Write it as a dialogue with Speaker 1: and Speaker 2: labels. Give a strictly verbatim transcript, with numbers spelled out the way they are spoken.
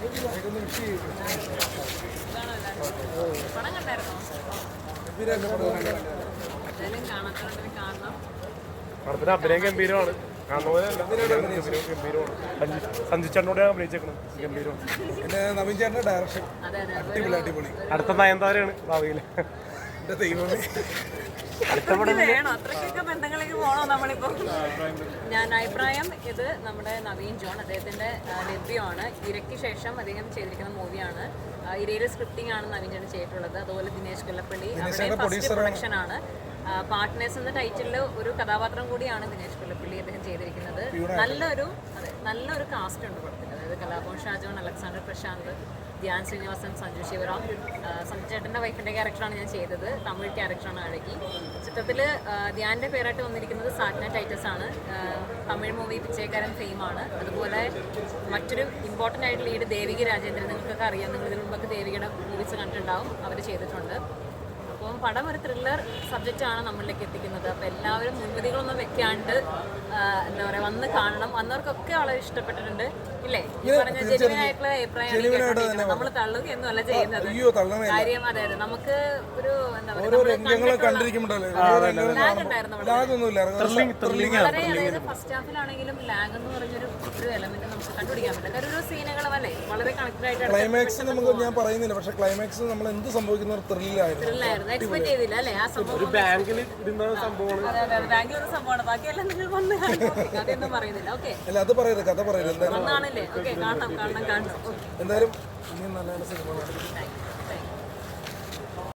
Speaker 1: പടം കണ്ടായിരുന്നോ?
Speaker 2: പടത്തിന് അഭിനയം ഗംഭീരമാണ്. സഞ്ജിച്ചേട്ടനോട് അഭിനയിച്ചേക്കണം. ഗംഭീരമാണ്.
Speaker 3: പിന്നെ നവീൻ ചേട്ടൻ്റെ ഡയറക്ഷൻ അടിപൊളി അടിപൊളി.
Speaker 2: അടുത്ത നയൻതാരയാണ് ഭാവിയിൽ.
Speaker 3: എൻ്റെ ദൈവമേ,
Speaker 1: വേണോ അത്രയ്ക്കൊക്കെ ബന്ധങ്ങളിലേക്ക് പോകണോ നമ്മളിപ്പോൾ? ഞാൻ അഭിപ്രായം ഇത് നമ്മുടെ നവീൻ ജോൺ, അദ്ദേഹത്തിന്റെ ഡെബ്യൂവാണ്. ഇരയ്ക്ക് ശേഷം അദ്ദേഹം ചെയ്തിരിക്കുന്ന മൂവിയാണ്. ഇരയുടെ സ്ക്രിപ്റ്റിംഗ് ആണ് നവീൻ ചേട്ടൻ ചെയ്തിട്ടുള്ളത്. അതുപോലെ ദിനേശ് കൊല്ലപ്പള്ളി അവിടെ ഫസ്റ്റ് പ്രൊഡക്ഷൻ ആണ്. പാർട്ട്നേഴ്സ് എന്ന ടൈറ്റിലിൽ ഒരു കഥാപാത്രം കൂടിയാണ് ദിനേശ് കൊല്ലപ്പള്ളി അദ്ദേഹം ചെയ്തിരിക്കുന്നത്. നല്ലൊരു അതെ നല്ലൊരു കാസ്റ്റ് ഉണ്ട് പടത്തിൽ. അതായത് കലാഭവൻ ഷാജോൺ, അലക്സാണ്ടർ പ്രശാന്ത്, ധ്യാൻ ശ്രീനിവാസൻ, സഞ്ജു ശിവറാം. സഞ്ജു ചേട്ടൻ്റെ വൈഫിൻ്റെ ക്യാരക്ടറാണ് ഞാൻ ചെയ്തത്. തമിഴ് ക്യാരക്ടറാണ് അഴകി. ചിത്രത്തിൽ ധ്യാൻ്റെ പേരായിട്ട് വന്നിരിക്കുന്നത് സാറ്റ്ന ടൈറ്റസ് ആണ്. തമിഴ് മൂവി പിച്ചേക്കാരൻ ഫെയിമാണ്. അതുപോലെ മറ്റൊരു ഇമ്പോർട്ടൻ്റ് ആയിട്ട് ലീഡ് ദേവിക രാജേന്ദ്രൻ. നിങ്ങൾക്കൊക്കെ അറിയാം, നിങ്ങൾ ഇതിനു മുമ്പൊക്കെ ദേവികയുടെ മൂവീസ് കണ്ടിട്ടുണ്ടാവും. അവർ ചെയ്തിട്ടുണ്ട്. അപ്പം പടം ഒരു ത്രില്ലർ സബ്ജക്റ്റാണ് നമ്മളിലേക്ക് എത്തിക്കുന്നത്. അപ്പോൾ എല്ലാവരും മുൻവിധികളൊന്നും വെക്കാണ്ട് എന്താ പറയുക വന്ന് കാണണം. വന്നവർക്കൊക്കെ വളരെ ഇഷ്ടപ്പെട്ടിട്ടുണ്ട്. ഇല്ലേ? ഈ പറഞ്ഞ ജെനുവിൻ ആയിട്ടുള്ള അഭിപ്രായമാണ്. നമ്മൾ തള്ളുകയൊന്നും അല്ല ചെയ്യുന്നത്. കാര്യം അതെ അതെ നമുക്ക് ഒരു എന്താ പറയുക വളരെ അതായത് ഫസ്റ്റ് ഹാഫിലാണെങ്കിലും ലാഗ് എന്ന് പറഞ്ഞൊരു ഒരു എലമെന്റ് നമുക്ക് കണ്ടുപിടിക്കാൻ പറ്റില്ല. കാരണം ഒരു സീനുകളും അല്ലേ വളരെ കണക്റ്റഡ് ആയിട്ട്
Speaker 3: ക്ലൈമാക്സ് നമുക്ക് ഞാൻ പറയുന്നില്ല, പക്ഷെ ക്ലൈമാക്സ് നമ്മൾ എന്ത് സംഭവിക്കുന്ന ഒരു ത്രില്ലായിരുന്നു.
Speaker 1: എക്സ്പെക്ട് ചെയ്തില്ല അല്ലേ ആ സംഭവം.
Speaker 2: ബാങ്കിൽ ഇരുന്ന സംഭവമാണ്.
Speaker 1: അതെ അതെ ബാങ്കിൽ ഒരു സംഭവമാണ്. ബാക്കിയെല്ലാം നിങ്ങൾ വന്ന് അതൊന്നും പറയുന്നില്ല. ഓക്കെ
Speaker 3: അല്ല അത് പറയരുത്, കഥ പറയരുത്.
Speaker 1: ഒന്നാണല്ലേ? ഓക്കെ കാണണം കാണണം കാണണം.
Speaker 3: എന്തായാലും ഇനിയും നല്ല നല്ല സിനിമ